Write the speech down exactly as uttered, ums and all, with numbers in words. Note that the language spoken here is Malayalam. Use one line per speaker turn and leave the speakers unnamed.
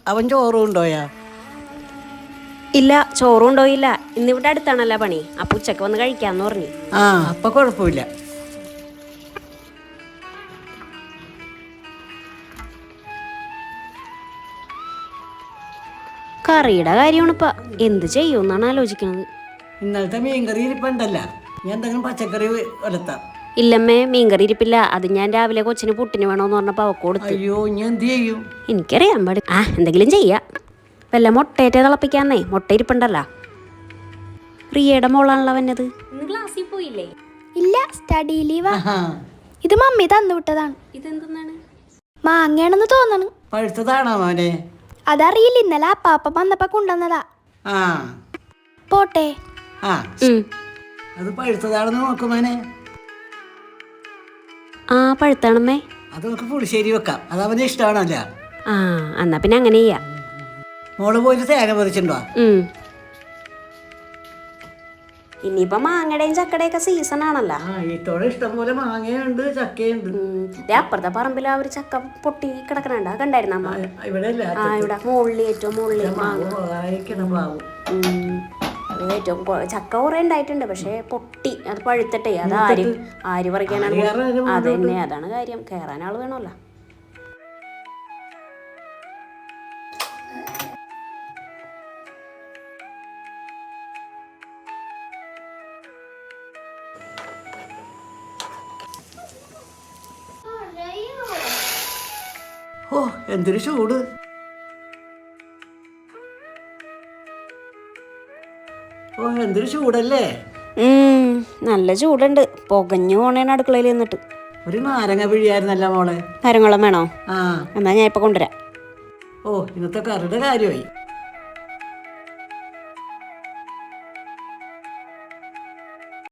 അവൻ ചോറ് കൊണ്ടോയാ?
ഇല്ല, ചോറും കൊണ്ടോയില്ല. ഇന്നിവിടെ അടുത്താണല്ലോ പണി, അപ്പൊ ഉച്ചക്ക് വന്ന് കഴിക്കാന്ന് പറഞ്ഞു.
ആ അപ്പൊ കുഴപ്പമില്ല.
കറിയുടെ കാര്യമാണിപ്പ എന്ത് ചെയ്യുമെന്നാണ് ആലോചിക്കണത്.
ഇന്നലത്തെ മീൻകറി ഇരിപ്പുണ്ടല്ല, ഞാൻ എന്തെങ്കിലും പച്ചക്കറി വലത്താം.
ഇല്ലമ്മേ, മീൻകറി ഇരിപ്പില്ല. അത് ഞാൻ രാവിലെ കൊച്ചിന് പുട്ടിന് വേണോന്ന് പറഞ്ഞപ്പോ അവക്ക് കൊടുത്തു.
അയ്യോ, ഞാൻ എന്ത് ചെയ്യും?
എനിക്കറിയാൻ പാടില്ല. ആ എന്തെങ്കിലും ചെയ്യാം. വല്ല മുട്ടയേറ്റ തിളപ്പിക്കാന്നേ, മുട്ട ഇരിപ്പുണ്ടല്ലോ. പ്രിയയുടെ മോളാണല്ലോ വന്നത്. ക്ലാസ്സിൽ പോയില്ലേ?
ഇല്ല, സ്റ്റഡി ലീവാ. ഇത് മമ്മി തന്നു വിട്ടതാണ്.
ഇതെന്താണ്?
മാങ്ങയാണെന്ന് തോന്നണ്.
പഴുത്തതാണോ മോനെ?
അതറിയില്ല, ഇന്നലെ അപ്പാപ്പ വന്നപ്പോ കൊണ്ടുവന്നതാ.
ആ
പോട്ടെ.
ആ അത് പഴുത്തതാണെന്ന് നോക്കുമോനെ.
ആ പഴുത്താണമ്മേ.
അത് നമുക്ക് പുളിശ്ശേരി വെക്കാം, അത് അവന് ഇഷ്ടമാണല്ല.
ആ എന്നാ പിന്നെ അങ്ങനെ ചെയ്യാം.
മോള് പോയിട്ട് തേങ്ങ പറിച്ചിട്ടുണ്ടോ?
ഇനിയിപ്പോ മാങ്ങയുടെയും ചക്കടയൊക്കെ സീസൺ ആണല്ലോ.
ആ ഇത്തോടെ ഇഷ്ടം പോലെ മാങ്ങയുണ്ട്, ചക്കയുണ്ട്.
അപ്പുറത്തെ പറമ്പിൽ ആ ഒരു ചക്ക പൊട്ടി കിടക്കണുണ്ട്, കണ്ടായിരുന്ന അമ്മ?
ഇവിടെ
ആ ഇവിടെ മുകളിൽ ഏറ്റവും മുകളിൽ ഏറ്റവും ചക്ക കുറെ ഉണ്ടായിട്ടുണ്ട്. പക്ഷെ പൊട്ടി അത് പഴുത്തിട്ടേ അത് ആര് ആര് പറിക്കാനാണ്? അത് തന്നെ, അതാണ് കാര്യം. കയറാൻ ആള് വേണമല്ലോ.
ഓ എന്തൊരു ചൂട്! ഓ എന്തൊരു ചൂടല്ലേ!
നല്ല ചൂടുണ്ട്. പുകഞ്ഞു പോണേണ് അടുക്കളയിൽ നിന്നിട്ട്.
ഒരു നാരങ്ങ പിഴിയായിരുന്നല്ല മോളെ.
നാരങ്ങളും വേണോ?
ആ
എന്നാ ഞാൻ ഇപ്പൊ കൊണ്ടുവരാം.
ഓ ഇന്നത്തെ കറിയുടെ കാര്യമായി.